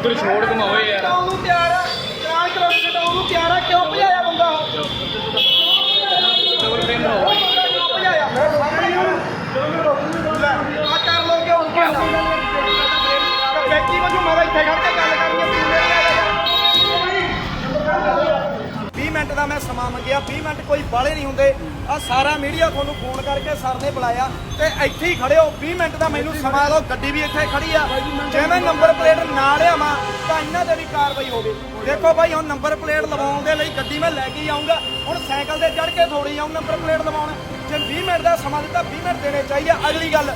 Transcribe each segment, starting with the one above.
ਉਧਰ ਛੋੜ ਘਮਾਓ ਯਾਰ ਉਹਨੂੰ ਤਿਆਰ ਆ ਚਾਰ ਕਿਲੋਮੀਟਰ ਉਹਨੂੰ ਤਿਆਰ ਆ ਕਿਉਂ ਭਜਾਇਆ ਬੰਦਾ ਉਹ ਡਬਲ ਫਰੇਮ ਨਾ ਹੋਵੇ ਕਿਉਂ ਭਜਾਇਆ ਮੇਰੇ ਸਾਹਮਣੇ ਆ ਕਰ ਲੋਗੇ ਹੁਣ ਕੀ ਬੈਠੀ ਵਜੋਂ ਮੈਂ ਇੱਥੇ ਖੜ ਕੇ ਗੱਲ ਕਰਨੀ ਹੈ 20 ਮਿੰਟ ਦਾ ਮੈਂ ਸਮਾਂ ਮੰਗਿਆ 20 ਮਿੰਟ ਕੋਈ ਬਾਲੇ ਨਹੀਂ ਹੁੰਦੇ ਆ ਸਾਰਾ ਮੀਡੀਆ ਤੁਹਾਨੂੰ ਫੋਨ ਕਰਕੇ ਸਰ ਨੇ ਬੁਲਾਇਆ ਤੇ ਇੱਥੇ ਹੀ ਖੜੇ ਹੋ 20 ਮਿੰਟ ਦਾ ਮੈਨੂੰ ਸਮਾਂ ਦਿਓ ਗੱਡੀ ਵੀ ਇੱਥੇ ਖੜੀ ਆ ਜੇ ਮੈਂ ਨੰਬਰ ਪਲੇਟ ਨਾ ਲਿਆਵਾਂ ਤਾਂ ਇਹਨਾਂ ਤੇ ਵੀ ਕਾਰਵਾਈ ਹੋਵੇ ਦੇਖੋ ਭਾਈ ਹੁਣ ਨੰਬਰ ਪਲੇਟ ਲਵਾਉਣ ਦੇ ਲਈ ਗੱਡੀ ਮੈਂ ਲੈ ਕੇ ਆਉਂਗਾ ਹੁਣ ਸਾਈਕਲ ਤੇ ਚੜ੍ਹ ਕੇ ਥੋੜੀ ਆਉਂ ਨੰਬਰ ਪਲੇਟ ਲਵਾਉਣ ਜੇ 20 ਮਿੰਟ ਦਾ ਸਮਾਂ ਦਿੱਤਾ 20 ਮਿੰਟ ਦੇਣੇ ਚਾਹੀਦੇ ਅਗਲੀ ਗੱਲ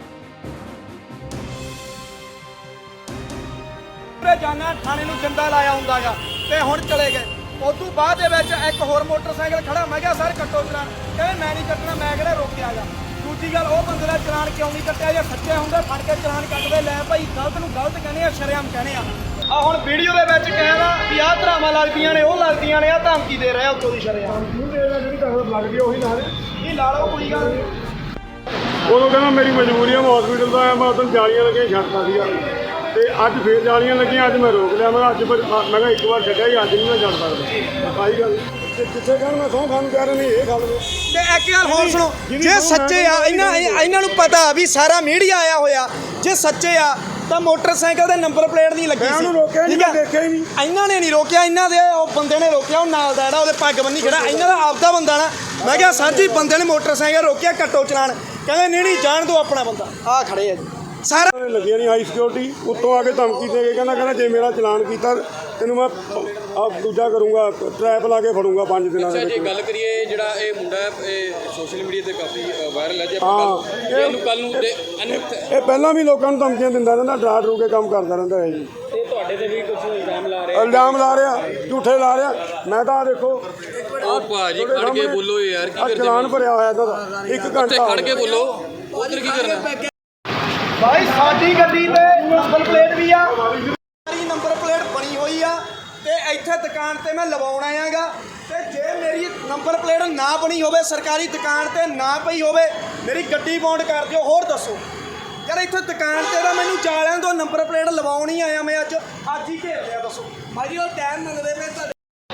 ਜਾਣਾ ਥਾਣੇ ਨੂੰ ਜਿੰਦਾ ਲਾਇਆ ਹੁੰਦਾਗਾ ਤੇ ਹੁਣ ਚਲੇ ਗਏ ਉਸ ਤੋਂ ਬਾਅਦ ਦੇ ਵਿੱਚ ਇੱਕ ਹੋਰ ਮੋਟਰਸਾਈਕਲ ਖੜਾ ਮੈਂ ਕਿਹਾ ਸਰ ਕੱਟੋ ਚਲਾਨ ਕਹਿੰਦੇ ਮੈਂ ਨਹੀਂ ਕੱਟਣਾ ਮੈਂ ਕਿਹੜਾ ਰੋਕਿਆ ਗਾ ਦੂਜੀ ਗੱਲ ਉਹ ਬੰਦੇ ਦਾ ਚਲਾਨ ਕਿਉਂ ਨਹੀਂ ਕੱਟਿਆ ਜੇ ਸੱਚੇ ਹੁੰਦੇ ਫੜ ਕੇ ਚਲਾਨ ਕੱਟਦੇ ਲੈ ਭਾਈ ਗਲਤ ਨੂੰ ਗਲਤ ਕਹਿੰਦੇ ਆ ਸ਼ਰੇਆਮ ਕਹਿੰਦੇ ਆ ਹੁਣ ਵੀਡੀਓ ਦੇ ਵਿੱਚ ਕਹਿੰਦਾ ਵੀ ਆਹ ਧਰਾਵਾਂ ਲੱਗਦੀਆਂ ਨੇ ਉਹ ਲੱਗਦੀਆਂ ਨੇ ਆ ਧਮਕੀ ਦੇ ਰਿਹਾ ਉੱਤੋਂ ਦੀ ਸ਼ਰੇਆਮ ਜਿਹੜੀ ਧਰਮ ਲੱਗਦੀ ਉਹੀ ਲਾ ਦੇ ਇਹ ਲਾ ਲਓ ਕੋਈ ਗੱਲ ਨਹੀਂ ਉਦੋਂ ਕਹਿੰਦਾ ਮੇਰੀ ਮਜਬੂਰੀ ਆ ਮੈਂ ਹਸਪੀਟਲ ਦਾ ਆਇਆ ਮੈਂ ਉਦੋਂ ਜਾਲੀਆਂ ਲੱਗੀਆਂ ਛੱਡਤਾ ਸੀਗਾ ਤੇ ਅੱਜ ਫੇਰ ਜਾਲੀਆਂ ਲੱਗੀਆਂ ਅੱਜ ਮੈਂ ਰੋਕ ਲਿਆ ਮੈਂ ਅੱਜ ਮੈਂ ਕਿਹਾ ਇੱਕ ਵਾਰ ਛੱਡਿਆ ਜੀ ਅੱਜ ਨਹੀਂ ਮੈਂ ਛੱਡ ਸਕਦਾ ਆਹੀ ਗੱਲ ਜਿੱਥੇ ਕਹਿਣ ਮੈਂ ਸਹੁੰ ਖਾਣ ਕਹਿ ਰਿਹਾ ਨਹੀਂ ਇਹ ਗੱਲ ਤੇ ਇੱਕ ਗੱਲ ਹੋਰ ਸੁਣੋ ਜੇ ਸੱਚੇ ਆ ਇਹਨਾਂ ਨੂੰ ਪਤਾ ਵੀ ਸਾਰਾ ਮੀਡੀਆ ਆਇਆ ਹੋਇਆ ਜੇ ਸੱਚੇ ਆ ਤਾਂ ਮੋਟਰਸਾਈਕਲ ਦੇ ਨੰਬਰ ਪਲੇਟ ਨਹੀਂ ਲੱਗੀ ਸੀ ਰੋਕਿਆ ਨਹੀਂ ਦੇਖਿਆ ਹੀ ਨਹੀਂ ਇਹਨਾਂ ਨੇ ਨਹੀਂ ਰੋਕਿਆ ਇਹਨਾਂ ਦੇ ਉਹ ਬੰਦੇ ਨੇ ਰੋਕਿਆ ਉਹ ਨਾਲ ਦਾ ਜਿਹੜਾ ਉਹਦੇ ਪੱਗ ਬੰਨੀ ਖੜਾ ਇਹਨਾਂ ਦਾ ਆਪਦਾ ਬੰਦਾ ਨਾ ਮੈਂ ਕਿਹਾ ਸਰ ਜੀ ਬੰਦੇ ਨੇ ਮੋਟਰਸਾਈਕਲ ਰੋਕਿਆ ਕੱਟੋ ਚਲਾਨ ਕਹਿੰਦੇ ਨਹੀਂ ਜਾਣ ਦਿਓ ਆਪਣਾ ਬੰਦਾ ਆ ਖੜੇ ਆ ਜੀ ਸਾਰਾ ਲੱਗੀਆਂ ਨਹੀਂ ਹਾਈ ਸਿਕਿਉਰਿਟੀ ਉੱਤੋਂ ਆ ਕੇ ਧਮਕੀ ਦੇ ਕੇ ਕਹਿੰਦਾ ਜੇ ਮੇਰਾ ਚਲਾਨ ਕੀਤਾ ਤੈਨੂੰ ਮੈਂ ਦੂਜਾ ਕਰੂੰਗਾ ਟਰੈਪ ਲਾ ਕੇ ਫੜੂੰਗਾ 5 ਦਿਨਾਂ ਦੇ ਵਿੱਚ। ਜੇ ਗੱਲ ਕਰੀਏ ਜਿਹੜਾ ਇਹ ਮੁੰਡਾ ਇਹ ਸੋਸ਼ਲ ਮੀਡੀਆ ਤੇ ਕਾਫੀ ਵਾਇਰਲ ਹੈ ਜੇ ਆਪਾਂ ਇਹਨੂੰ ਕੱਲ ਨੂੰ ਇਹ ਪਹਿਲਾਂ ਵੀ ਲੋਕਾਂ ਨੂੰ ਧਮਕੀਆਂ ਦਿੰਦਾ ਰਹਿੰਦਾ ਡਰਾ ਡਰੂ ਕੇ ਕੰਮ ਕਰਦਾ ਰਹਿੰਦਾ ਹੈ ਜੀ ਤੇ ਤੁਹਾਡੇ ਤੇ ਵੀ ਕੁਝ ਇਲਜ਼ਾਮ ਲਾ ਰਿਹਾ ਝੂਠੇ ਲਾ ਰਿਹਾ ਮੈਂ ਤਾਂ ਦੇਖੋ ਉਹ ਭਾਜੀ ਖੜ ਕੇ ਬੋਲੋ ਯਾਰ ਕੀ ਕਰਦੇ ਚਲਾਨ ਭਰਿਆ ਹੋਇਆ ਇਹਨਾਂ ਦਾ 1 ਘੰਟਾ ਖੜ ਕੇ ਬੋਲੋ ਉਧਰ ਕੀ ਕਰਨਾ ਭਾਈ ਸਾਡੀ ਗੱਡੀ ਤੇ ਨੰਬਰ ਪਲੇਟ ਵੀ ਆ ਸਾਰੀ ਨੰਬਰ ਪਲੇਟ ਬਣੀ ਹੋਈ ਆ ਤੇ ਇੱਥੇ ਦੁਕਾਨ ਤੇ ਮੈਂ ਲਵਾਉਣ ਆਇਆਗਾ ਤੇ ਜੇ ਮੇਰੀ ਨੰਬਰ ਪਲੇਟ ਨਾ ਬਣੀ ਹੋਵੇ ਸਰਕਾਰੀ ਦੁਕਾਨ ਤੇ ਨਾ ਪਈ ਹੋਵੇ ਮੇਰੀ ਗੱਡੀ ਬੌਂਡ ਕਰ ਦਿਓ ਹੋਰ ਦੱਸੋ ਯਾਰ ਇੱਥੇ ਦੁਕਾਨ ਤੇ ਤਾਂ ਮੈਨੂੰ ਜਾਲਿਆਂ ਤੋਂ ਨੰਬਰ ਪਲੇਟ ਲਵਾਉਣ ਹੀ ਆਇਆ ਮੈਂ ਅੱਜ ਹੀ ਘੇਰ ਲਿਆ ਦੱਸੋ ਭਾਜੀ ਉਹ ਟਾਈਮ ਮੰਗਦੇ ਪਏ ਤੁਹਾਡੇ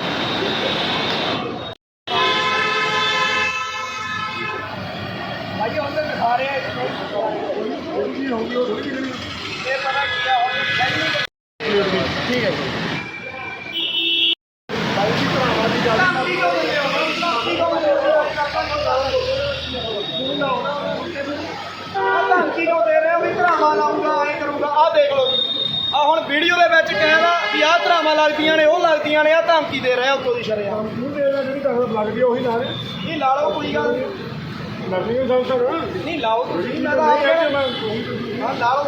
ਭਾਜੀ ਹੁਣ ਤੇ ਦਿਖਾ ਰਿਹਾ ਇਹ ਪਤਾ ਕੀ ਆ ਠੀਕ ਹੈ ਜੀ ਧਮਕੀ ਕਿਉਂ ਦੇ ਰਹੇ ਹੋ ਵੀ ਧਰਾਵਾਂ ਲਾਉਂਗਾ ਐਂ ਕਰੂੰਗਾ ਆਹ ਦੇਖ ਲਓ ਆ ਹੁਣ ਵੀਡੀਓ ਦੇ ਵਿੱਚ ਕਹਿੰਦਾ ਵੀ ਆਹ ਧਰਾਵਾਂ ਲੱਗਦੀਆਂ ਨੇ ਉਹ ਲੱਗਦੀਆਂ ਨੇ ਆ ਧਮਕੀ ਦੇ ਰਿਹਾ ਉੱਤੋਂ ਦੀ ਸ਼ਰੇਆਮ ਜਿਹੜੀ ਧਰਮ ਲੱਗਦੀ ਉਹੀ ਲਾ ਦੇ ਇਹ ਲਾ ਲਓ ਕੋਈ ਗੱਲ ਲੱਗਦੀ ਹੈ ਸੰਸਰ ਨਹੀਂ ਲਾਓ ਤੁਸੀਂ ਮੈਂ ਤਾਂ ਹਾਂ ਲਾਓ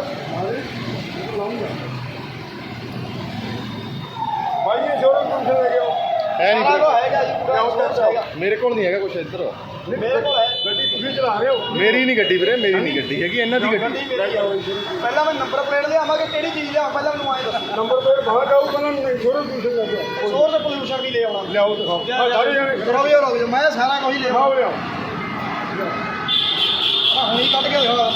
ਭਾਈ ਇਹ ਸ਼ੋਰੂਮ ਤੋਂ ਲੈ ਕੇ ਆਓ ਹੈ ਹੈਗਾ ਜੀ ਪੂਰਾ ਮੇਰੇ ਕੋਲ ਨਹੀਂ ਹੈਗਾ ਕੁਝ ਇੱਧਰ ਮੇਰੇ ਕੋਲ ਹੈ ਗੱਡੀ ਤੁਸੀਂ ਚਲਾ ਰਹੇ ਹੋ ਮੇਰੀ ਨਹੀਂ ਗੱਡੀ ਵੀਰੇ ਮੇਰੀ ਨਹੀਂ ਗੱਡੀ ਹੈਗੀ ਇਹਨਾਂ ਦੀ ਗੱਡੀ ਪਹਿਲਾਂ ਮੈਂ ਨੰਬਰ ਪਲੇਟ ਲਿਆਵਾਂਗੇ ਕਿਹੜੀ ਚੀਜ਼ ਲਿਆਵਾਂ ਪਹਿਲਾਂ ਮੈਨੂੰ ਆਏ ਦੱਸੋ ਨੰਬਰ ਪਲੇਟ ਬਾਹਰ ਜਾਊ ਪਹਿਲਾਂ ਸ਼ੋਰੂਮ ਤੋਂ ਲੈ ਕੇ ਆਓ ਸੋਰ ਦਾ ਪੋਲੂਸ਼ਨ ਵੀ ਲੈ ਆਉਣਾ ਲਿਆਓ ਦਿਖਾਓ ਸਾਰੇ ਜਣੇ ਰੁਕ ਜਾਓ ਮੈਂ ਸਾਰਾ ਕੁਝ ਲੈ ਆਉਣਾ ਲਿਆਓ ਹੁਣੀ ਕੱਢ ਕੇ ਹੋਇਆ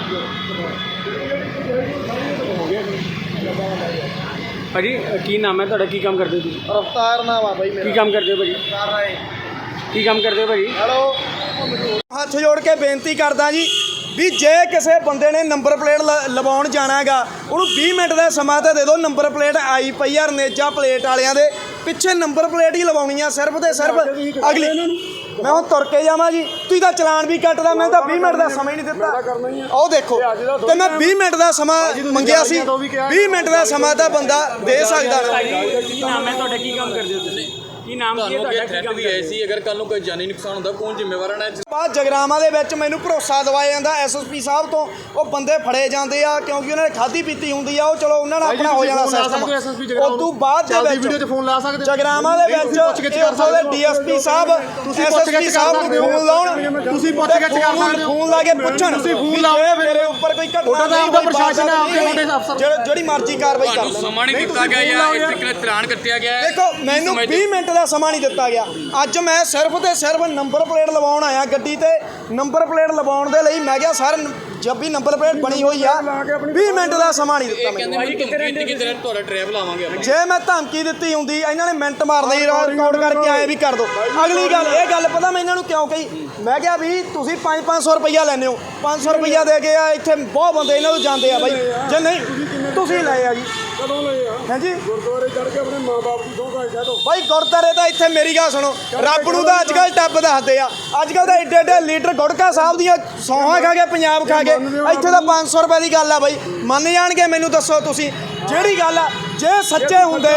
ਭਾਜੀ ਕੀ ਨਾਮ ਹੈ ਤੁਹਾਡਾ ਕੀ ਕੰਮ ਕਰਦੇ ਹੋ ਤੁਸੀਂ ਰਫਤਾਰ ਨਾਮ ਆ ਬਾਈ ਕੀ ਕੰਮ ਕਰਦੇ ਹੋ ਭਾਜੀ ਕਰ ਰਹੇ ਕੀ ਕੰਮ ਕਰਦੇ ਹੋ ਭਾਜੀ ਹੈਲੋ ਹੱਥ ਜੋੜ ਕੇ ਬੇਨਤੀ ਕਰਦਾ ਜੀ ਵੀ ਜੇ ਕਿਸੇ ਬੰਦੇ ਨੇ ਨੰਬਰ ਪਲੇਟ ਲਵਾਉਣ ਜਾਣਾ ਹੈਗਾ ਉਹਨੂੰ 20 ਮਿੰਟ ਦਾ ਸਮਾਂ ਤਾਂ ਦੇ ਦਿਓ ਨੰਬਰ ਪਲੇਟ ਆਈ ਪਈ ਆ ਰਨੇਜਾ ਪਲੇਟ ਵਾਲਿਆਂ ਦੇ ਪਿੱਛੇ ਨੰਬਰ ਪਲੇਟ ਹੀ ਲਵਾਉਣੀ ਆ ਸਿਰਫ ਤੇ ਸਿਰਫ ਅਗਲੀ ਮੈਂ ਹੁਣ ਤੁਰ ਕੇ ਜਾਵਾਂ ਜੀ ਤੁਸੀਂ ਤਾਂ ਚਲਾਨ ਵੀ ਕੱਟਦਾ ਮੈਂ ਤਾਂ 20 ਮਿੰਟ ਦਾ ਸਮਾਂ ਹੀ ਨਹੀਂ ਦਿੱਤਾ ਉਹ ਦੇਖੋ ਤੇ ਮੈਂ 20 ਮਿੰਟ ਦਾ ਸਮਾਂ ਮੰਗਿਆ ਸੀ 20 ਮਿੰਟ ਦਾ ਸਮਾਂ ਤਾਂ ਬੰਦਾ ਦੇ ਸਕਦਾ ਨਾ ਕੀ ਨਾਮ ਹੈ ਤੁਹਾਡਾ ਕੀ ਕੰਮ ਕਰਦੇ ਹੋ ਤੁਸੀਂ ਕੀ ਨਾਮ ਕੀ ਹੈ ਤੁਹਾਡਾ ਕੀ ਕੰਮ ਵੀ ਐਸੀ ਅਗਰ ਕੱਲ ਨੂੰ ਕੋਈ ਜਾਨੀ ਨੁਕਸਾਨ ਹੁੰਦਾ ਕੌਣ ਜ਼ਿੰਮੇਵਾਰ ਹੈ ਬਾਅਦ ਜਗਰਾਵਾਂ ਦੇ ਵਿੱਚ ਮੈਨੂੰ ਭਰੋਸਾ ਦਿਵਾਇਆ ਜਾਂਦਾ ਐਸਐਸਪੀ ਸਾਹਿਬ ਤੋਂ ਉਹ ਬੰਦੇ ਫੜੇ ਜਾਂਦੇ ਆ ਕਿਉਂਕਿ ਉਹਨਾਂ ਨੇ ਖਾਧੀ ਪੀਤੀ ਹੁੰਦੀ ਆ ਉਹ ਚਲੋ ਉਹਨਾਂ ਨਾਲ ਆਪਣਾ ਹੋ ਜਾਣਾ ਸਿਸਟਮ ਉਸ ਤੋਂ ਬਾਅਦ ਦੇ ਵਿੱਚ ਵੀਡੀਓ 'ਚ ਫੋਨ ਲਾ ਸਕਦੇ ਜਗਰਾਵਾਂ ਦੇ ਵਿੱਚ ਉੱਥੋਂ ਦੇ ਡੀਐਸਪੀ ਸਾਹਿਬ ਐਸਐਸਪੀ ਸਾਹਿਬ ਨੂੰ ਫੋਨ ਲਾਉਣ ਤੁਸੀਂ ਪੁੱਛ ਕੇ ਕਰ ਸਕਦੇ ਹੋ ਫੋਨ ਲਾ ਕੇ ਪੁੱਛਣ ਤੁਸੀਂ ਫੋਨ ਲਾਓ ਮੇਰੇ ਉੱਪਰ ਕੋਈ ਘਟਨਾ ਨਹੀਂ ਹੋਈ, ਪ੍ਰਸ਼ਾਸਨ ਜਿਹੜੀ ਮਰਜ਼ੀ ਕਾਰਵਾਈ ਕਰ ਤੁਹਾਨੂੰ ਲੈਣ। ਸਮਾਂ ਨਹੀਂ ਦਿੱਤਾ ਗਿਆ ਜਾਂ ਇਸ ਤਰੀਕੇ ਨਾਲ ਚਲਾਨ ਕੱਟਿਆ ਗਿਆ ਹੈ? ਦੇਖੋ ਮੈਨੂੰ 20 ਮਿੰਟ ਦਾ ਸਮਾਂ ਨਹੀਂ ਦਿੱਤਾ ਗਿਆ। ਅੱਜ ਮੈਂ ਸਿਰਫ ਤੇ ਸਿਰਫ ਨੰਬਰ ਪਲੇਟ ਲਵਾਉਣ ਆਇਆ ਗੱਡੀ ਤੇ। ਨੰਬਰ ਪਲੇਟ ਲਵਾਉਣ ਦੇ ਲਈ ਮੈਂ ਕਿਹਾ ਸਰ ਜਦ ਵੀ ਨੰਬਰ ਪਲੇਟ ਬਣੀ ਹੋਈ ਆ 20 ਮਿੰਟ ਦਾ ਸਮਾਂ ਨਹੀਂ ਦਿੱਤਾ ਇਹ ਕਹਿੰਦੇ ਮੈਨੂੰ। ਮੈਨੂੰ ਧਮਕੀ ਦਿੱਤੀ ਕਿ ਤੇਰਾ ਤੁਹਾਡਾ ਡਰਾਈਵ ਲਾਵਾਂਗੇ ਆਪਾਂ। ਜੇ ਮੈਂ ਧਮਕੀ ਦਿੱਤੀ ਹੁੰਦੀ ਇਹਨਾਂ ਨੇ ਮਿੰਟ ਮਾਰਦੇ ਹੀ ਰਿਕਾਰਡ ਕਰਕੇ ਆਏ ਵੀ ਕਰ ਦੋ। ਅਗਲੀ ਗੱਲ ਇਹ ਗੱਲ ਪਤਾ ਮੈਂ ਇਹਨਾਂ ਨੂੰ ਕਿਉਂ ਕਹੀ, ਮੈਂ ਕਿਹਾ ਵੀ ਤੁਸੀਂ 500 ਰੁਪਈਆ ਲੈਂਦੇ ਹੋ, 500 ਰੁਪਈਆ ਦੇ ਕੇ ਆ ਇੱਥੇ ਬਹੁਤ ਬੰਦੇ ਇਹਨਾਂ ਨੂੰ ਜਾਂਦੇ ਆ ਬਾਈ। ਜੇ ਨਹੀਂ ਤੁਸੀਂ ਲਏ ਆ ਜੀ, ਕਦੋਂ ਲਏ ਆ? ਹਾਂਜੀ ਗੁਰਦੁਆਰੇ ਚੜ ਕੇ ਆਪਣੇ ਮਾਂ-ਬਾਪ ਦੀ ਸਹੁੰ ਕਹਿ ਦੋ। ਬਾਈ ਗੁਰਦਾਰੇ ਤਾਂ ਇੱਥੇ ਮੇਰੀ ਗੱਲ ਸੁਣੋ, ਰੱਬ ਨੂੰ ਤਾਂ ਅੱਜ ਕੱਲ੍ਹ ਟੱਬ ਦੱਸਦੇ ਆ। ਅੱਜ ਕੱਲ੍ਹ ਤਾਂ ਏਡੇ ਏਡੇ ਲੀਡਰ ਗੁਟਕਾ ਸਾਹਿਬ ਦੀਆਂ ਸੌਹਾਂ ਖਾ ਕੇ ਪੰਜਾਬ ਖਾ ਕੇ ਇੱਥੇ ਤਾਂ 500 ਰੁਪਏ ਦੀ ਗੱਲ ਆ ਬਾਈ। ਮੰਨ ਜਾਣਗੇ ਮੈਨੂੰ ਦੱਸੋ ਤੁਸੀਂ ਜਿਹੜੀ ਗੱਲ ਆ। ਜੇ ਸੱਚੇ ਹੁੰਦੇ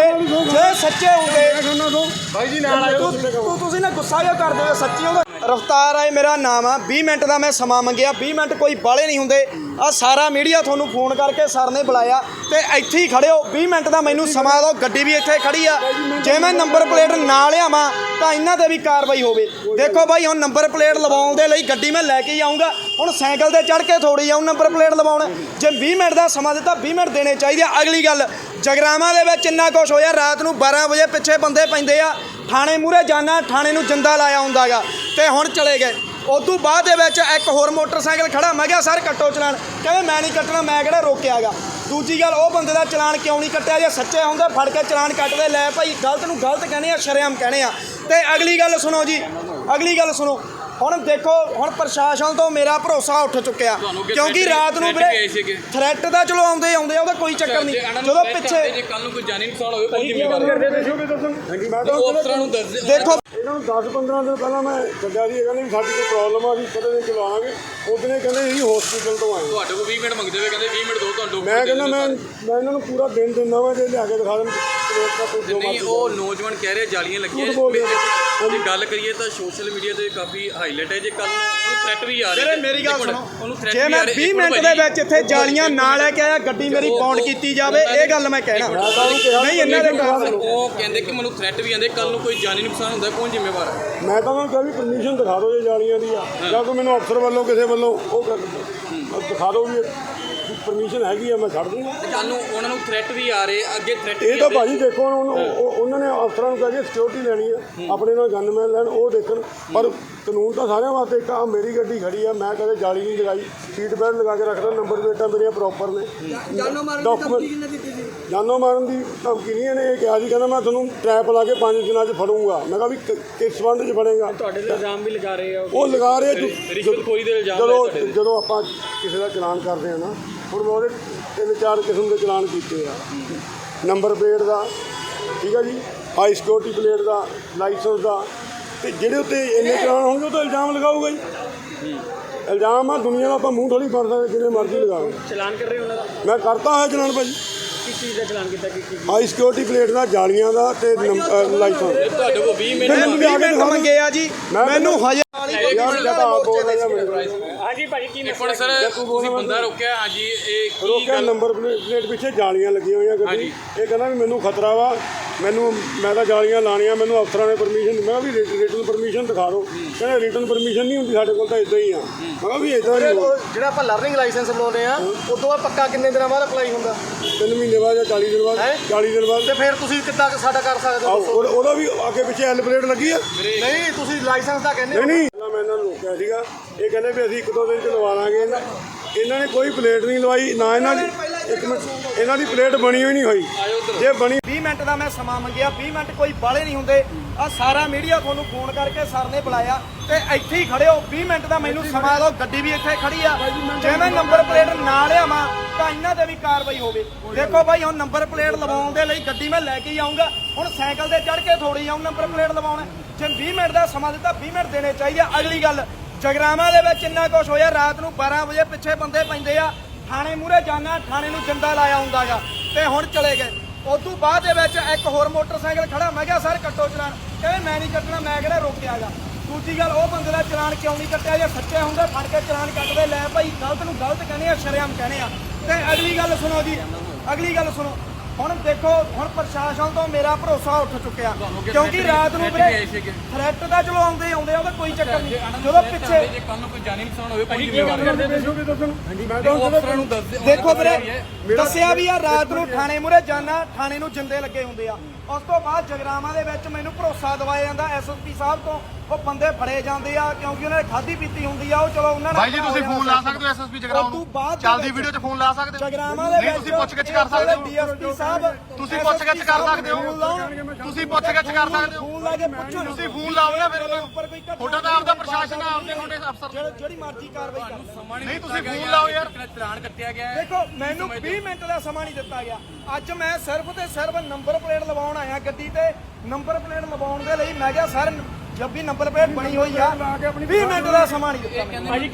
ਬਾਈ ਜੀ ਨਾਲ ਤੁਸੀਂ ਨਾ ਗੁੱਸਾ ਕਿਉਂ ਕਰਦੇ ਹੋ? ਸੱਚੀ ਹੋ ਰਫਤਾਰ ਆਏ ਮੇਰਾ ਨਾਮ ਆ। 20 ਮਿੰਟ ਦਾ ਮੈਂ ਸਮਾਂ ਮੰਗਿਆ, 20 ਮਿੰਟ ਕੋਈ ਬਾਲੇ ਨਹੀਂ ਹੁੰਦੇ। ਆ ਸਾਰਾ ਮੀਡੀਆ ਤੁਹਾਨੂੰ ਫੋਨ ਕਰਕੇ ਸਰ ਨੇ ਬੁਲਾਇਆ ਤੇ ਇੱਥੇ ਹੀ ਖੜੇ ਹੋ। 20 ਮਿੰਟ ਦਾ ਮੈਨੂੰ ਸਮਾਂ ਦਿਓ, ਗੱਡੀ ਵੀ ਇੱਥੇ ਖੜੀ ਆ। ਜੇ ਮੈਂ ਨੰਬਰ ਪਲੇਟ ਨਾ ਲਿਆਵਾਂ ਤਾਂ ਇਹਨਾਂ ਤੇ ਵੀ ਕਾਰਵਾਈ ਹੋਵੇ। ਦੇਖੋ ਬਾਈ ਹੁਣ ਨੰਬਰ ਪਲੇਟ ਲਵਾਉਣ ਦੇ ਲਈ ਗੱਡੀ ਮੈਂ ਲੈ ਕੇ ਹੀ ਆਉਂਗਾ। ਹੁਣ ਸਾਈਕਲ ਤੇ ਚੜ੍ਹ ਕੇ ਥੋੜੀ ਆਉਂ ਨੰਬਰ ਪਲੇਟ ਲਵਾਉਣ। ਜੇ 20 ਮਿੰਟ ਦਾ ਸਮਾਂ ਦਿੱਤਾ 20 ਮਿੰਟ ਦੇਣੇ ਚਾਹੀਦੇ ਆ। ਅਗਲੀ ਗੱਲ ਜਗਰਾਵਾਂ ਦੇ ਵਿੱਚ ਇੰਨਾ ਕੁਛ ਹੋਇਆ, ਰਾਤ ਨੂੰ 12 ਵਜੇ ਪਿੱਛੇ ਬੰਦੇ ਪੈਂਦੇ ਆ, ਥਾਣੇ ਮੂਹਰੇ ਜਾਣਾ, ਥਾਣੇ ਨੂੰ ਜਿੰਦਾ ਲਾਇਆ ਹੁੰਦਾ ਗਾ ਤੇ ਹੁਣ ਚਲੇ ਗਏ। ਉਦੋਂ ਬਾਅਦ ਦੇ ਵਿੱਚ ਇੱਕ ਹੋਰ ਮੋਟਰਸਾਈਕਲ ਖੜਾ, ਮੈਂ ਕਿਹਾ ਸਰ ਕੱਟੋ ਚਲਾਨ, ਕਹਿੰਦੇ ਮੈਂ ਨਹੀਂ ਕੱਟਣਾ, ਮੈਂ ਕਿਹੜਾ ਰੋਕਿਆ ਗਾ। ਦੂਜੀ ਗੱਲ ਉਹ ਬੰਦੇ ਦਾ ਚਲਾਨ ਕਿਉਂ ਨਹੀਂ ਕੱਟਿਆ? ਜੇ ਸੱਚੇ ਹੁੰਦੇ ਫੜ ਕੇ ਚਲਾਨ ਕੱਟਦੇ। ਲੈ ਭਾਈ ਗਲਤ ਨੂੰ ਗਲਤ ਕਹਿੰਦੇ ਆ, ਸ਼ਰੇਆਮ ਕਹਿੰਦੇ ਆ। ਤੇ ਅਗਲੀ ਗੱਲ ਸੁਣੋ ਜੀ, ਅਗਲੀ ਗੱਲ ਸੁਣੋ। ਹੁਣ ਦੇਖੋ ਹੁਣ ਪ੍ਰਸ਼ਾਸਨ ਤੋਂ ਮੇਰਾ ਭਰੋਸਾ ਉੱਠ ਚੁੱਕਿਆ ਕਿਉਂਕਿ ਰਾਤ ਨੂੰ ਵੀਰੇ ਥ੍ਰੈਟ ਦਾ ਚਲੋ ਆਉਂਦੇ ਉਹਦਾ ਕੋਈ ਚੱਕਰ ਨਹੀਂ। ਜਦੋਂ ਪਿੱਛੇ ਜੇ ਕੱਲ ਨੂੰ ਕੋਈ ਜਾਨੀ ਨੁਕਸਾਨ ਹੋਵੇ ਕੋਈ ਜ਼ਿੰਮੇਵਾਰ ਮੈਂ ਤਾਂ ਉਹ ਅਫਸਰਾਂ ਨੂੰ ਦੱਸ ਦੇਖੋ ਇਹਨਾਂ ਨੂੰ 10-15 ਦਿਨ ਪਹਿਲਾਂ ਮੈਂ ਛੱਡਿਆ ਸੀ। ਇਹ ਕਹਿੰਦੇ ਵੀ ਸਾਡੀ ਕੋਈ ਪ੍ਰੋਬਲਮ ਆ, ਅਸੀਂ ਕਦੇ ਦਿਨ ਚਲਾਵਾਂਗੇ। ਉਦੋਂ ਇਹ ਕਹਿੰਦੇ ਅਸੀਂ ਹਸਪੀਟਲ ਤੋਂ ਆਏ। ਤੁਹਾਡੇ ਕੋਲ 20 ਮਿੰਟ ਮੰਗਦੇ ਹੋਏ ਕਹਿੰਦੇ 20 ਮਿੰਟ ਦਿਓ ਤੁਹਾਨੂੰ। ਮੈਂ ਕਹਿੰਦਾ ਮੈਂ ਇਹਨਾਂ ਨੂੰ ਪੂਰਾ ਦਿਨ ਦਿੰਦਾ ਵਾਂ, ਜੇ ਲਿਆ ਕੇ ਦਿਖਾ ਦੇਣ ਨਹੀਂ ਉਹ ਨੌਜਵਾਨ ਕਹਿ ਰਹੇ ਜਾਲੀਆਂ ਲੱਗੀਆਂ। ਜੇ ਗੱਲ ਕਰੀਏ ਤਾਂ ਸੋਸ਼ਲ ਮੀਡੀਆ ਤੇ ਕਾਫੀ ਹਾਈਲਾਈਟ ਹੈ। ਜੇ ਕੱਲ ਨੂੰ ਉਹਨੂੰ ਥ੍ਰੈਟ ਵੀ ਆ ਰਹੇ ਮੇਰੀ ਗੱਲ ਸੁਣੋ, ਜੇ ਮੈਂ 20 ਮਿੰਟ ਦੇ ਵਿੱਚ ਇੱਥੇ ਜਾਲੀਆਂ ਨਾ ਲੈ ਕੇ ਆਇਆ, ਗੱਡੀ ਮੇਰੀ ਪੌਂਡ ਕੀਤੀ ਜਾਵੇ, ਇਹ ਗੱਲ ਮੈਂ ਕਹਿਣਾ ਨਹੀਂ। ਇਹਨਾਂ ਦੇ ਉਹ ਕਹਿੰਦੇ ਕਿ ਮੈਨੂੰ ਥ੍ਰੈਟ ਵੀ ਆਉਂਦੇ, ਕੱਲ ਨੂੰ ਕੋਈ ਜਾਨੀ ਨੁਕਸਾਨ ਹੁੰਦਾ ਕੌਣ ਜ਼ਿੰਮੇਵਾਰ ਹੈ? ਮੈਂ ਤਾਂ ਉਹਨਾਂ ਨੂੰ ਕਿਹਾ ਵੀ ਪਰਮਿਸ਼ਨ ਦਿਖਾ ਦਿਓ ਜੇ ਜਾਲੀਆਂ ਦੀ ਆ, ਜਾਂ ਕੋਈ ਮੈਨੂੰ ਅਫਸਰ ਵੱਲੋਂ ਕਿਸੇ ਵੱਲੋਂ ਉਹ ਦਿਖਾ ਦਿਓ ਵੀ ਪਰਮਿਸ਼ਨ ਹੈਗੀ ਆ, ਮੈਂ ਛੱਡ ਦੂੰਗਾ। ਕੱਲ ਨੂੰ ਉਹਨਾਂ ਨੂੰ ਥ੍ਰੈਟ ਵੀ ਆ ਰਹੇ ਅੱਗੇ ਥ੍ਰੈਟ ਇਹ ਤਾਂ ਭਾਜੀ ਦੇਖੋ ਉਹਨਾਂ ਨੇ ਅਫਸਰਾਂ ਨੂੰ ਕਹਿ ਕੇ ਸਿਕਿਉਰਿਟੀ ਲੈਣੀ ਆ, ਆਪਣੇ ਨਾਲ ਗਨਮੈਨ ਲੈਣ, ਉਹ ਦੇਖਣ। ਪਰ ਕਾਨੂੰਨ ਤਾਂ ਸਾਰਿਆਂ ਵਾਸਤੇ ਇੱਕ ਆ। ਮੇਰੀ ਗੱਡੀ ਖੜੀ ਆ, ਮੈਂ ਕਦੇ ਜਾਲੀ ਨਹੀਂ ਲਗਾਈ, ਸੀਟ ਬੈਲਟ ਲਗਾ ਕੇ ਰੱਖਦਾ, ਨੰਬਰ ਪਲੇਟਾਂ ਮੇਰੀਆਂ ਪ੍ਰੋਪਰ ਨੇ। ਜਾਨੋਂ ਮਾਰਨ ਦੀ ਧਮਕੀ ਨਹੀਂ ਇਹਨੇ ਇਹ ਕਿਹਾ ਸੀ, ਕਹਿੰਦਾ ਮੈਂ ਤੁਹਾਨੂੰ ਟਰੈਪ ਲਾ ਕੇ 5 ਦਿਨਾਂ 'ਚ ਫੜੂੰਗਾ। ਮੈਂ ਕਿਹਾ ਵੀ ਕਿਸ ਸੰਬੰਧ 'ਚ ਫੜੇਗਾ? ਤੁਹਾਡੇ ਤੇ ਇਲਜ਼ਾਮ ਵੀ ਲਗਾ ਰਹੇ ਆ ਉਹ ਲਗਾ ਰਹੇ ਰਿਸ਼ਵਤਖੋਰੀ ਦੇ ਇਲਜ਼ਾਮ। ਜਦੋਂ ਆਪਾਂ ਕਿਸੇ ਦਾ ਚਲਾਨ ਕਰਦੇ ਆ ਨਾ, ਹੁਣ ਮੈਂ ਉਹਦੇ 3-4 ਕਿਸਮ ਦੇ ਚਲਾਨ ਕੀਤੇ ਆ। ਨੰਬਰ ਪਲੇਟ ਦਾ, ਠੀਕ ਆ ਜੀ, ਹਾਈ ਸਿਕਿਉਰਿਟੀ ਪਲੇਟ ਦਾ, ਲਾਇਸੈਂਸ ਦਾ। ਤੇ ਜਿਹੜੇ ਉੱਤੇ ਇੰਨੇ ਚਲਾਨ ਹੋਣਗੇ ਉਹ ਤਾਂ ਇਲਜ਼ਾਮ ਲਗਾਊਗਾ ਜੀ। ਇਲਜ਼ਾਮ ਆ, ਦੁਨੀਆ ਦਾ ਆਪਾਂ ਮੂੰਹ ਥੋੜੀ ਫੜ ਸਕਦੇ, ਜਿੰਨੇ ਮਰਜ਼ੀ ਲਗਾਓ। ਚਲਾਨ ਕਰ ਰਹੇ ਉਹਨਾਂ ਦਾ? ਮੈਂ ਕਰਤਾ ਹੋਇਆ ਚਲਾਨ ਭਾਜੀ। ਕਿਸ ਚੀਜ਼ ਦਾ ਚਲਾਨ ਕੀਤਾ? ਹਾਈ ਸਿਕਿਉਰਿਟੀ ਪਲੇਟ ਦਾ, ਜਾਲੀਆਂ ਦਾ ਤੇ ਲਾਇਸੈਂਸ। ਤੁਹਾਡੇ ਕੋਲ 20 ਮਿੰਟ 20 ਮਿੰਟ ਮੰਗੇ ਆ ਜੀ, ਮੈਨੂੰ ਹਜੇ ਯਾਰ ਜਦ ਆਪ ਬੋਲਦਾ ਜਾਂ ਮੈਨੂੰ ਹਾਂਜੀ ਭਾਜੀ ਕੀ ਹੁਣ ਸਰ ਤੁਸੀਂ ਬੰਦਾ ਰੋਕਿਆ। ਹਾਂਜੀ ਇਹ ਕੀ ਰੋਕਿਆ, ਗੱਲ? ਨੰਬਰ ਪਲੇਟ ਪਿੱਛੇ ਜਾਲੀਆਂ ਲੱਗੀਆਂ ਹੋਈਆਂ ਗੱਡੀ। ਇਹ ਕਹਿੰਦਾ ਵੀ ਮੈਨੂੰ ਖਤਰਾ ਵਾ, ਮੈਂ ਤਾਂ ਜਾਲੀਆਂ ਲਾਣੀਆਂ, ਮੈਨੂੰ ਅਫਸਰਾਂ ਨੇ ਪਰਮਿਸ਼ਨ। ਮੈਂ ਕਿਹਾ ਵੀ ਰਿਟਨ ਪਰਮਿਸ਼ਨ ਦਿਖਾ ਦਿਓ। ਕਹਿੰਦੇ ਰਿਟਨ ਪਰਮਿਸ਼ਨ ਨਹੀਂ ਹੁੰਦੀ ਸਾਡੇ ਕੋਲ, ਤਾਂ ਇਦਾਂ ਹੀ ਆ। ਮੈਂ ਕਿਹਾ ਵੀ ਇਦਾਂ ਨਹੀਂ ਹੋਊ। ਜਿਹੜਾ ਆਪਾਂ ਲਰਨਿੰਗ ਲਾਇਸੈਂਸ ਬਣਾਉਂਦੇ ਆ ਉਦੋਂ ਬਾਅਦ ਪੱਕਾ ਕਿੰਨੇ ਦਿਨਾਂ ਬਾਅਦ ਅਪਲਾਈ ਹੁੰਦਾ? 3 ਮਹੀਨੇ ਬਾਅਦ ਜਾਂ 40 ਦਿਨ ਬਾਅਦ। 40 ਦਿਨ ਬਾਅਦ। ਤੇ ਫਿਰ ਤੁਸੀਂ ਕਿੱਦਾਂ ਸਾਡਾ ਕਰ ਸਕਦੇ ਹੋ? ਉਹਦਾ ਵੀ ਅੱਗੇ ਪਿੱਛੇ ਐਲ ਪਲੇਟ ਲੱਗੀ ਆ। ਨਹੀਂ ਤੁਸੀਂ ਲਾਇਸੈਂਸ ਦਾ ਕਹਿੰਦੇ ਨਹੀਂ ਮੈਂ ਇਹਨਾਂ ਨੂੰ ਰੋਕਿਆ ਸੀਗਾ। ਇਹ ਕਹਿੰਦੇ ਵੀ ਅਸੀਂ 1-2 ਦਿਨ 'ਚ ਲਵਾ ਲਾਂਗੇ। ਇਹਨਾਂ ਨੇ ਕੋਈ ਪਲੇਟ ਨਹੀਂ ਲਵਾਈ ਨਾ। ਇਹਨਾਂ ਦੀ ਇੱਕ ਮਿੰਟ, ਇਹਨਾਂ ਦੀ ਪਲੇਟ ਬਣੀ ਹੋਈ ਨਹੀਂ ਹੋਈ। ਜੇ ਬਣੀ 20 ਮਿੰਟ ਦਾ ਮੈਂ ਸਮਾਂ ਮੰਗਿਆ, 20 ਮਿੰਟ ਕੋਈ ਬਾਲੇ ਨਹੀਂ ਹੁੰਦੇ। ਆ ਸਾਰਾ ਮੀਡੀਆ ਤੁਹਾਨੂੰ ਫੋਨ ਕਰਕੇ ਸਰ ਨੇ ਬੁਲਾਇਆ ਤੇ ਇੱਥੇ ਹੀ ਖੜੇ ਹੋ। 20 ਮਿੰਟ ਦਾ ਮੈਨੂੰ ਸਮਾਂ ਦਿਓ, ਗੱਡੀ ਵੀ ਇੱਥੇ ਖੜੀ ਆ। ਜੇ ਮੈਂ ਨੰਬਰ ਪਲੇਟ ਨਾ ਲਿਆਵਾਂ ਤਾਂ ਇਹਨਾਂ ਤੇ ਵੀ ਕਾਰਵਾਈ ਹੋਵੇ। ਦੇਖੋ ਬਾਈ ਹੁਣ ਨੰਬਰ ਪਲੇਟ ਲਵਾਉਣ ਦੇ ਲਈ ਗੱਡੀ ਮੈਂ ਲੈ ਕੇ ਹੀ ਆਉਂਗਾ। ਹੁਣ ਸਾਈਕਲ ਤੇ ਚੜ੍ਹ ਕੇ ਥੋੜੀ ਆਉਂ ਨੰਬਰ ਪਲੇਟ ਲਵਾਉਣਾ। ਜੇ 20 ਮਿੰਟ ਦਾ ਸਮਾਂ ਦਿੱਤਾ 20 ਮਿੰਟ ਦੇਣੇ ਚਾਹੀਦੇ। ਅਗਲੀ ਗੱਲ ਜਗਰਾਵਾਂ ਦੇ ਵਿੱਚ ਇੰਨਾ ਕੁਛ ਹੋਇਆ, ਰਾਤ ਨੂੰ 12 ਵਜੇ ਪਿੱਛੇ ਬੰਦੇ ਪੈਂਦੇ ਆ, ਥਾਣੇ ਮੂਹਰੇ ਜਾਣਾ, ਥਾਣੇ ਨੂੰ ਜਿੰਦਾ ਲਾਇਆ ਹੁੰਦਾ ਗਾ ਤੇ ਹੁਣ ਚਲੇ ਗਏ। ਉਦੋਂ ਬਾਅਦ ਦੇ ਵਿੱਚ ਇੱਕ ਹੋਰ ਮੋਟਰਸਾਈਕਲ ਖੜਾ, ਮੈਂ ਕਿਹਾ ਸਰ ਕੱਟੋ ਚਲਾਨ, ਕਹਿੰਦੇ ਮੈਂ ਨਹੀਂ ਕੱਟਣਾ, ਮੈਂ ਕਿਹੜਾ ਰੋਕਿਆ ਗਾ। ਦੂਜੀ ਗੱਲ ਉਹ ਬੰਦੇ ਦਾ ਚਲਾਨ ਕਿਉਂ ਨਹੀਂ ਕੱਟਿਆ? ਜੇ ਸੱਚੇ ਹੁੰਦੇ ਫੜ ਕੇ ਚਲਾਨ ਕੱਟਦੇ। ਲੈ ਭਾਈ ਗਲਤ ਨੂੰ ਗਲਤ ਕਹਿੰਦੇ ਆ, ਸ਼ਰੇਆਮ ਕਹਿੰਦੇ ਆ। ਤੇ ਅਗਲੀ ਗੱਲ ਸੁਣੋ ਜੀ, ਅਗਲੀ ਗੱਲ ਸੁਣੋ। ਹੁਣ ਦੇਖੋ ਹੁਣ ਪ੍ਰਸ਼ਾਸਨ ਤੋਂ ਮੇਰਾ ਭਰੋਸਾ ਉੱਠ ਚੁੱਕਿਆ ਤੁਹਾਨੂੰ ਕਿ ਕਿਉਂਕਿ threat ਰਾਤ ਨੂੰ ਵੀ ਆਏ ਸੀਗੇ। ਥ੍ਰੈਟ ਦਾ ਚਲੋ ਆਉਂਦੇ ਉਹਦਾ ਕੋਈ ਚੱਕਰ ਨਹੀਂ ਜਦੋਂ ਪਿੱਛੇ ਜੇ ਕੱਲ ਨੂੰ ਕੋਈ ਜਾਨੀ ਨੁਕਸਾਨ ਹੋਵੇ ਕੋਈ ਕੀ ਜ਼ਿੰਮੇਵਾਰ ਕਰਦੇ ਦੱਸੋਗੇ ਦੱਸਣ ਮੈਂ ਤਾਂ ਅਫਸਰਾਂ ਨੂੰ ਦੱਸ ਦਿਓ। ਦੇਖੋ ਵੀਰੇ ਦੱਸਿਆ ਵੀ ਆ ਰਾਤ ਨੂੰ ਥਾਣੇ ਮੂਹਰੇ ਜਾਣਾ ਥਾਣੇ ਨੂੰ ਜਿੰਦੇ ਲੱਗੇ ਹੁੰਦੇ ਆ ਉਸ ਤੋਂ ਬਾਅਦ ਜਗਰਾਵਾਂ ਦੇ ਵਿੱਚ ਮੈਨੂੰ ਭਰੋਸਾ ਦਿਵਾਇਆ ਜਾਂਦਾ ਐਸਐਸਪੀ ਸਾਹਿਬ ਤੋਂ ਉਹ ਬੰਦੇ ਫੜੇ ਜਾਂਦੇ ਆ ਕਿਉਂਕਿ ਉਹਨਾਂ ਨੇ ਖਾਧੀ ਪੀਤੀ ਹੁੰਦੀ ਆ ਉਹ ਚਲੋ ਉਹਨਾਂ ਨੇ ਭਾਈ ਜੀ ਤੁਸੀਂ ਫੋਨ ਲਾ ਸਕਦੇ ਹੋ ਐਸਐਸਪੀ ਜਗਰਾਉਂ ਨੂੰ ਚੱਲਦੀ ਵੀਡੀਓ 'ਚ ਫੋਨ ਲਾ ਸਕਦੇ ਹੋ ਜਗਰਾਵਾਂ ਦੇ ਨਹੀਂ ਤੁਸੀਂ ਪੁੱਛਗਿੱਛ ਕਰ ਸਕਦੇ ਹੋ ਡੀਐਸਪੀ ਸਾਹਿਬ ਤੁਸੀਂ ਪੁੱਛਗਿੱਛ ਕਰ ਸਕਦੇ ਹੋ ਤੁਸੀਂ ਪੁੱਛਗਿੱਛ ਕਰ ਸਕਦੇ ਹੋ ਫੋਨ ਲਾ ਕੇ ਪੁੱਛੋ ਤੁਸੀਂ ਫੋਨ ਲਾਓ ਨਾ ਫਿਰ ਉਹਨਾਂ ਉੱਪਰ ਕੋਈ ਨੂੰ ਤੁਹਾਡਾ ਤਾਂ ਆਪਦਾ ਪ੍ਰਸ਼ਾਸਨ ਆ ਆਪਦੇ ਤੁਹਾਡੇ ਅਫਸਰ ਜਿਹੜੀ ਮਰਜ਼ੀ ਕਾਰਵਾਈ ਕਰ ਨਹੀਂ ਤੁਸੀਂ ਫੋਨ ਲਾਓ ਯਾਰ ਚਲਾਨ ਕੱਟਿਆ ਗਿਆ ਹੈ। ਦੇਖੋ ਮੈਨੂੰ 20 ਮਿੰਟ ਦਾ ਸਮਾਂ ਨਹੀਂ ਦਿੱਤਾ ਗਿਆ ਅੱਜ ਮੈਂ ਸਿਰਫ ਤੇ ਸਿਰਫ ਨੰਬਰ ਪਲੇਟ ਲਵਾਉਣ ਆਇਆ ਗੱਡੀ ਤੇ ਨੰਬਰ ਪਲੇਟ ਲਵਾਉਣ ਦੇ ਲਈ ਮੈਂ ਕਿਹਾ ਸਰ ਜਦ ਵੀ ਨੰਬਰ ਪਲੇਟ ਬਣੀ ਹੋਈ ਆ 20 ਮਿੰਟ ਦਾ ਸਮਾਂ ਨਹੀਂ ਦਿੱਤਾ ਮੈਨੂੰ।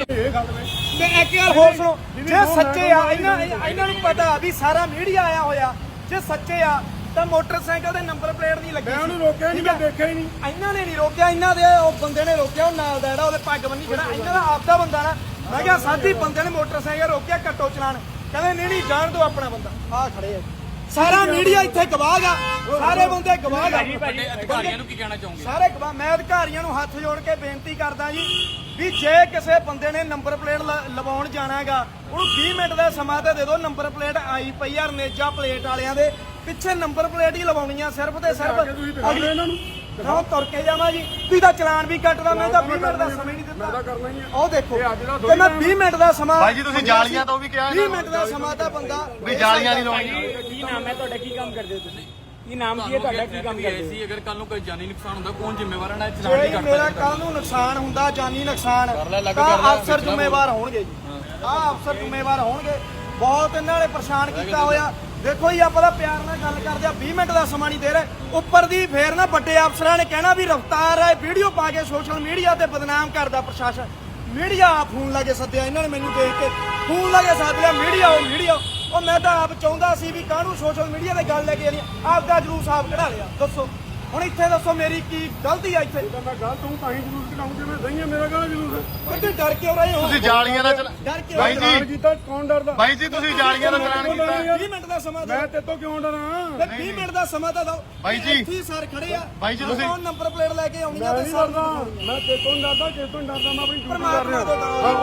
ਤੇ ਇੱਕ ਗੱਲ ਹੋਰ ਸੁਣੋ ਜੇ ਸੱਚੇ ਆ ਇਹਨਾਂ ਨੂੰ ਪਤਾ ਵੀ ਸਾਰਾ ਮੀਡੀਆ ਆਇਆ ਹੋਇਆ ਜੇ ਸੱਚੇ ਆ ਤਾਂ ਮੋਟਰਸਾਈਕਲ ਦੇ ਨੰਬਰ ਪਲੇਟ ਨਹੀਂ ਲੱਗੀ ਮੈਂ ਉਹਨੂੰ ਰੋਕਿਆ ਨਹੀਂ ਮੈਂ ਦੇਖਿਆ ਹੀ ਨਹੀਂ ਇਹਨਾਂ ਨੇ ਨਹੀਂ ਰੋਕਿਆ ਇਹਨਾਂ ਦੇ ਉਹ ਬੰਦੇ ਨੇ ਰੋਕਿਆ ਉਹ ਨਾਲ ਦਾ ਜਿਹੜਾ ਉਹਦੇ ਪੱਗ ਬੰਨੀ ਜਿਹੜਾ ਇਹਨਾਂ ਦਾ ਆਪਦਾ ਬੰਦਾ ਨਾ ਮੈਂ ਕਿਹਾ ਸਾਥੀ ਬੰਦੇ ਨੇ ਮੋਟਰਸਾਈਕਲ ਰੋਕਿਆ ਕੱਟੋ ਚਲਾਨ ਕਹਿੰਦੇ ਨਹੀਂ ਜਾਣ ਦਿਓ ਆਪਣਾ ਬੰਦਾ ਆਹ ਖੜੇ ਆ ਸਾਰਾ ਮੀਡੀਆ ਇੱਥੇ ਗਵਾਹ ਗਾ ਸਾਰੇ ਬੰਦੇ ਗਵਾਹ ਗਾ ਵੱਡੇ ਅਧਿਕਾਰੀਆਂ ਨੂੰ ਕੀ ਕਹਿਣਾ ਚਾਹੋਗੇ? ਸਾਰੇ ਗਵਾਹ ਮੈਂ ਅਧਿਕਾਰੀਆਂ ਨੂੰ ਹੱਥ ਜੋੜ ਕੇ ਬੇਨਤੀ ਕਰਦਾ ਜੀ ਵੀ ਜੇ ਕਿਸੇ ਬੰਦੇ ਨੇ ਨੰਬਰ ਪਲੇਟ ਲਵਾਉਣ ਜਾਣਾ ਹੈਗਾ ਉਹਨੂੰ 20 ਮਿੰਟ ਦਾ ਸਮਾਂ ਤੇ ਦੇ ਦਿਓ ਨੰਬਰ ਪਲੇਟ ਆਈ ਪਈ ਆ ਰਨੇਜਾ ਪਲੇਟ ਵਾਲਿਆਂ ਦੇ ਪਿੱਛੇ ਨੰਬਰ ਪਲੇਟ ਹੀ ਲਵਾਉਣੀ ਆ ਸਿਰਫ ਤੇ ਸਿਰਫ ਅਗਲੇ ਇਹਨਾਂ ਨੂੰ ਉਹ ਤੁਰ ਕੇ ਜਾਵਾਂ ਜੀ ਤੁਸੀਂ ਤਾਂ ਚਲਾਨ ਵੀ ਕੱਟਦਾ ਮੈਂ ਤਾਂ 20 ਮਿੰਟ ਦਾ ਸਮਾਂ ਹੀ ਨਹੀਂ ਮੈਂ ਤਾਂ ਦਿੱਤਾ ਕਰਨਾ ਹੀ ਆ ਉਹ ਦੇਖੋ ਤੇ ਮੈਂ 20 ਮਿੰਟ ਦਾ ਸਮਾਂ ਭਾਈ ਜੀ ਤੁਸੀਂ ਜਾਲੀਆਂ ਤੋਂ ਵੀ ਕਿਹਾ 20 ਮਿੰਟ ਦਾ ਸਮਾਂ ਤਾਂ ਬੰਦਾ ਵੀ ਜਾਲੀਆਂ ਨਹੀਂ ਲਾਉਣੀਆਂ ਕੀ ਨਾਮ ਹੈ ਤੁਹਾਡਾ ਕੀ ਕੰਮ ਕਰਦੇ ਹੋ ਤੁਸੀਂ ਕੀ ਨਾਮ ਕੀ ਹੈ ਤੁਹਾਡਾ ਕੀ ਕੰਮ ਕਰਦੇ ਹੋ ਸੀ ਅਗਰ ਕੱਲ ਨੂੰ ਕੋਈ ਜਾਨੀ ਨੁਕਸਾਨ ਹੁੰਦਾ ਕੌਣ ਜ਼ਿੰਮੇਵਾਰ ਹੈ? ਨਾ ਚਲਾਨ ਨਹੀਂ ਜੇ ਕੱਟ ਮੇਰਾ ਸਕਦਾ। ਕੱਲ ਨੂੰ ਨੁਕਸਾਨ ਹੁੰਦਾ ਜਾਨੀ ਨੁਕਸਾਨ ਲੈ, ਲੱਗ ਤਾਂ ਕਰ ਲੈ, ਅਫਸਰ ਵੇਖਣਾ ਜ਼ਿੰਮੇਵਾਰ ਹੋਣਗੇ ਜੀ ਆਹ ਅਫਸਰ ਜ਼ਿੰਮੇਵਾਰ ਹੋਣਗੇ ਬਹੁਤ ਇਹਨਾਂ ਨੇ ਪਰੇਸ਼ਾਨ ਕੀਤਾ ਹੋਇਆ ਦੇਖੋ ਜੀ ਆਪਾਂ ਤਾਂ ਪਿਆਰ ਨਾਲ ਗੱਲ ਕਰਦੇ ਆ 20 ਮਿੰਟ ਦਾ ਸਮਾਂ ਨਹੀਂ ਦੇ ਰਹੇ ਉੱਪਰ ਦੀ ਫੇਰ ਨਾ ਵੱਡੇ ਅਫਸਰਾਂ ਨੇ ਕਹਿਣਾ ਵੀ ਰਫਤਾਰ ਹੈ ਵੀਡੀਓ ਪਾ ਕੇ ਸੋਸ਼ਲ ਮੀਡੀਆ ਤੇ ਬਦਨਾਮ ਕਰਦਾ ਪ੍ਰਸ਼ਾਸਨ ਮੀਡੀਆ ਆ ਫੋਨ ਲਾ ਕੇ ਸੱਦਿਆ ਇਹਨਾਂ ਨੇ ਮੈਨੂੰ ਦੇਖ ਕੇ ਫੋਨ ਲਾ ਕੇ ਸੱਦਿਆ ਮੀਡੀਆ ਉਹ ਮੈਂ ਤਾਂ ਆਪ ਚਾਹੁੰਦਾ ਸੀ ਵੀ ਕਾਹਨੂੰ ਸੋਸ਼ਲ ਮੀਡੀਆ ਤੇ ਗੱਲ ਲੈ ਕੇ ਆਣੀ ਆਪ ਦਾ ਜਲੂਸ ਆਪ ਕਢਾ ਲਿਆ ਦੱਸੋ ਹੁਣ ਇੱਥੇ ਦੱਸੋ ਮੇਰੀ ਕੀ ਗਲਤੀ ਆ ਇੱਥੇ ਤਾਂ ਮੈਂ ਗਲਤ ਹੂੰ ਤਾਂ ਹੀ ਜਲੂਸ ਕਢਾਉਂ ਜਿਵੇਂ ਸਹੀ ਹੈ ਮੇਰਾ ਗਾਣਾ ਜਲੂਸ ਹੈ ਕਿਤੇ ਡਰ ਕਿਉਂ ਰਹੇ ਹੋ ਤੁਸੀਂ ਜਾਲੀਆਂ ਦਾ ਡਰ ਕਿਉਂ ਭਾਈ ਰਹੇ ਹੋ? ਜੀ ਕੀਤਾ ਕੌਣ ਡਰਦਾ ਭਾਈ ਜੀ ਤੁਸੀਂ ਜਾਲੀਆਂ ਦਾ ਚਲਾਨ ਕੀਤਾ 20 ਮਿੰਟ ਦਾ ਸਮਾਂ ਦਿਓ ਮੈਂ ਤੇਰੇ ਤੋਂ ਕਿਉਂ ਡਰਾਂ ਤੇ 20 ਮਿੰਟ ਦਾ ਸਮਾਂ ਤਾਂ ਦਿਓ ਬਾਈ ਜੀ। ਇੱਥੇ ਹੀ ਸਰ ਖੜੇ ਆ ਬਾਈ ਜੀ ਤੁਸੀਂ- ਕੌਣ ਨੰਬਰ ਪਲੇਟ ਲੈ ਕੇ ਆਉਣੀ ਆ ਮੈਂ ਤੇ ਨਹੀਂ ਸਰ ਡਰਦਾ ਮੈਂ ਤੇਰੇ ਤੋਂ ਨਹੀਂ ਡਰਦਾ ਕਿਸ ਤੋਂ ਨਹੀਂ ਡਰਦਾ ਮੈਂ ਆਪਣੀ ਡਿਊਟੀ ਕਰ ਪਰਮਾਤਮਾ ਰਿਹਾ ਤੋਂ ਡਰੋ। ਹਾਂ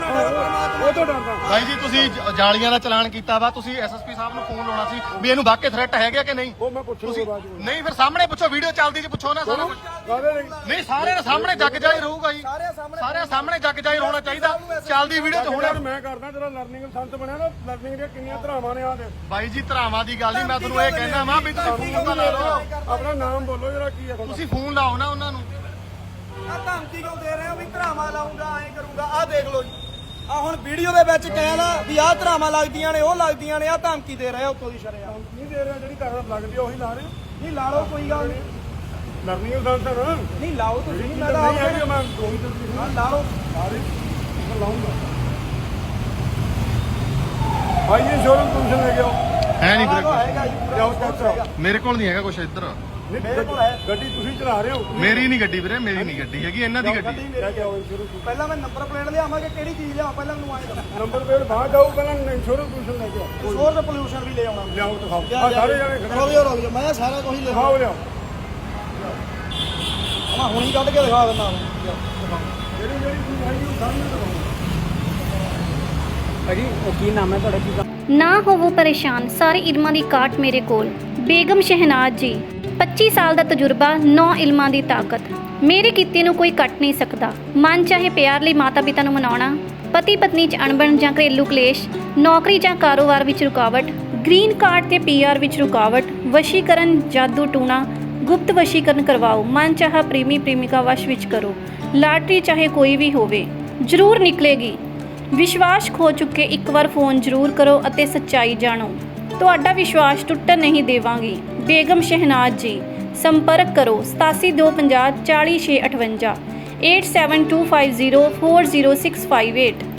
ਉਹ ਤੋਂ ਡਰਦਾ ਭਾਈ ਜੀ ਤੁਸੀਂ ਜਾਲੀਆਂ ਦਾ ਚਲਾਨ ਕੀਤਾ ਵਾ ਤੁਸੀਂ ਐਸਐਸਪੀ ਸਾਹਿਬ ਨੂੰ ਫੋਨ ਲਾਉਣਾ ਸੀ ਵੀ ਇਹਨੂੰ ਵਾਕਈ ਥ੍ਰੈਟ ਹੈਗਾ ਕਿ ਨਹੀਂ ਉਹ ਮੈਂ ਪੁੱਛੂਗਾ ਤੁਸੀਂ ਬਾਅਦ ਵਿੱਚ ਨਹੀਂ ਫਿਰ ਸਾਹਮਣੇ ਪੁੱਛੋ ਵੀਡੀਓ ਚੱਲਦੀ ਜੀ ਪੁੱਛੋ ਨਾ ਸਾਰਾ ਕੁਝ ਕਾਹਦੇ ਲਈ ਨਹੀਂ ਸਾਰਿਆਂ ਦੇ ਸਾਹਮਣੇ ਜੱਗ ਜਾਈ ਰਹੂਗਾ ਜੀ ਸਾਰਿਆਂ ਸਾਹਮਣੇ ਜੱਗ ਜਾਈ ਹੋਣਾ ਚਾਹੀਦਾ ਚੱਲਦੀ ਵੀਡੀਓ 'ਚ ਹੋਣਾ ਹੁਣ ਮੈਂ ਕਰਦਾ ਤੇਰਾ ਲਰਨਿੰਗ ਸੰਤ ਬਣਿਆ ਨਾ ਲਰਨਿੰਗ ਦੀਆਂ ਕਿੰਨੀਆਂ ਧਰਾਵਾਂ ਨੇ ਆ ਦੇ ਬਾਈ ਜੀ ਧਰਾਵਾਂ ਦੀ ਗੱਲ ਨਹੀਂ ਮੈਂ ਤੁਹਾਨੂੰ ਇਹ ਕਹਿਣਾ ਵਾਂ ਵੀ ਤੁਸੀਂ ਫੋਨ ਤਾਂ ਲਾ ਲਓ ਆਪਣਾ ਨਾਮ ਬੋਲੋ ਜਰਾ ਕੀ ਹੈ ਤੁਸੀਂ ਫੋਨ ਲਾਓ ਨਾ ਉਹਨਾਂ ਨੂੰ ਆ ਧਮਕੀ ਕਿਉਂ ਦੇ ਰਹੇ ਹੋ ਵੀ ਧਰਾਵਾਂ ਲਾਉਂਗਾ ਐਂ ਕਰੂੰਗਾ ਆ ਦੇਖ ਲਓ ਜੀ ਆ ਹੁਣ ਵੀਡੀਓ ਦੇ ਵਿੱਚ ਕਹਿਣਾ ਵੀ ਆਹ ਧਰਾਵਾਂ ਲੱਗਦੀਆਂ ਨੇ ਉਹ ਲੱਗਦੀਆਂ ਨੇ ਆ ਧਮਕੀ ਦੇ ਰਹੇ ਹੋ ਉੱਤੋਂ ਦੀ ਸ਼ਰਿਆ ਨਹੀਂ ਦੇ ਰਿਹਾ ਜਿਹੜੀ ਕਰ ਲੱਗਦੀ ਆ ਉਹੀ ਲਾ ਰਹੇ ਨਹੀਂ ਲਾ ਲਓ ਕੋਈ ਗੱਲ ਨਹੀਂ ਲਰਨਿੰਗ ਸੰਤ ਹੈ ਨਾ ਨਹੀਂ ਲਾਓ ਤੁਸੀਂ ਮੈਂ ਤਾਂ ਨਹੀਂ ਆਪ ਹੈਗੀ ਮੈਂ ਦੋਹੀ ਤਸਵੀਰ ਹਾਂ, ਲਾ ਲਓ ਲਾਉਂਗਾ ਭਾਈ ਇਹ ਸ਼ੋਰੂਮ ਕਮਿਸ਼ਨ ਲੈ ਕੇ ਆਓ ਹੈ ਨਹੀਂ ਆਹ ਵੀਰੇ ਹੈਗਾ ਜੀ ਜਾਓ ਚੈੱਕ ਕਰਾਓ ਮੇਰੇ ਕੋਲ ਨਹੀਂ ਹੈਗਾ ਕੁਝ ਇੱਧਰ ਮੇਰੇ ਕੋਲ ਹੈ ਗੱਡੀ ਤੁਸੀਂ ਚਲਾ ਰਹੇ ਹੋ ਮੇਰੀ ਨਹੀਂ ਗੱਡੀ ਵੀਰੇ ਮੇਰੀ ਨਹੀਂ ਗੱਡੀ ਹੈਗੀ ਇਹਨਾਂ ਦੀ ਗੱਡੀ ਗੱਡੀ ਲੈ ਮੇਰੀ ਕੇ ਆਓ ਸ਼ੁਰੂ ਪਹਿਲਾਂ ਮੈਂ ਨੰਬਰ ਪਲੇਟ ਲਿਆਵਾਂ ਕਿ ਕਿਹੜੀ ਚੀਜ਼ ਲਿਆਵਾਂ ਪਹਿਲਾਂ ਮੈਨੂੰ ਆਏ ਦੱਸੋ ਨੰਬਰ ਪਲੇਟ ਬਾਹਰ ਜਾਓ ਪਹਿਲਾਂ ਇੰਸ਼ੋਰੈਂਸ ਕਮਿਸ਼ਨ ਲੈ ਕੇ ਆਓ ਸੋਰਸ ਪੋਲੂਸ਼ਨ ਵੀ ਲੈ ਆਉਣਾ ਲਿਆਓ ਦਿਖਾਓ ਆ ਸਾਰੇ ਜਣੇ ਖੜੇ ਰੁਕ ਜਾਓ ਮੈਂ ਸਾਰਾ ਕੁਝ ਹੀ ਦਿਖਾਓ ਲਿਆਓ ਮੈਂ ਹੁਣੀ ਕੱਢ ਕੇ ਦਿਖਾ ਦਿੰਦਾ ਜਿਹੜੀ ਜਿਹੜੀ ਚੀਜ਼ ਹੈਗੀ ਉਹ ਸਾਹਮਣੇ ਦਿਖਾਓ ਭਾਜੀ ਕੀ ਨਾਮ ਹੈ ਤੁਹਾਡਾ ਕੀ ਕੰਮ ਨਾ ਹੋਵੋ ਪਰੇਸ਼ਾਨ ਸਾਰੇ ਇਲਮਾਂ ਦੀ ਕਾਟ ਮੇਰੇ ਕੋਲ ਬੇਗਮ ਸ਼ਹਿਨਾਜ਼ ਜੀ 25 ਸਾਲ ਦਾ ਤਜਰਬਾ 9 ਇਲਮਾਂ ਦੀ ਤਾਕਤ ਮੇਰੇ ਕੀਤੇ ਨੂੰ ਕੋਈ ਕੱਟ ਨਹੀਂ ਸਕਦਾ ਮਨ ਚਾਹੇ ਪਿਆਰ ਲਈ ਮਾਤਾ ਪਿਤਾ ਨੂੰ ਮਨਾਉਣਾ ਪਤੀ ਪਤਨੀ 'ਚ ਅਣਬਣ ਜਾਂ ਘਰੇਲੂ ਕਲੇਸ਼ ਨੌਕਰੀ ਜਾਂ ਕਾਰੋਬਾਰ ਵਿੱਚ ਰੁਕਾਵਟ ਗ੍ਰੀਨ ਕਾਰਡ ਤੇ ਪੀਆਰ ਵਿੱਚ ਰੁਕਾਵਟ ਵਸ਼ੀਕਰਨ ਜਾਦੂ ਟੂਣਾ ਗੁਪਤ ਵਸ਼ੀਕਰਨ ਕਰਵਾਓ ਮਨ ਚਾਹਾ ਪ੍ਰੇਮੀ ਪ੍ਰੇਮਿਕਾ ਵਸ਼ ਵਿੱਚ ਕਰੋ ਲਾਟਰੀ ਚਾਹੇ ਕੋਈ ਵੀ ਹੋਵੇ ਜ਼ਰੂਰ ਨਿਕਲੇਗੀ ਵਿਸ਼ਵਾਸ ਖੋ ਚੁੱਕੇ ਇੱਕ ਵਾਰ ਫੋਨ ਜ਼ਰੂਰ ਕਰੋ ਅਤੇ ਸੱਚਾਈ ਜਾਣੋ ਤੁਹਾਡਾ ਵਿਸ਼ਵਾਸ ਟੁੱਟਣ ਨਹੀਂ ਦੇਵਾਂਗੀ ਬੇਗਮ ਸ਼ਹਿਨਾਜ਼ ਜੀ ਸੰਪਰਕ ਕਰੋ 8725040658 8725040658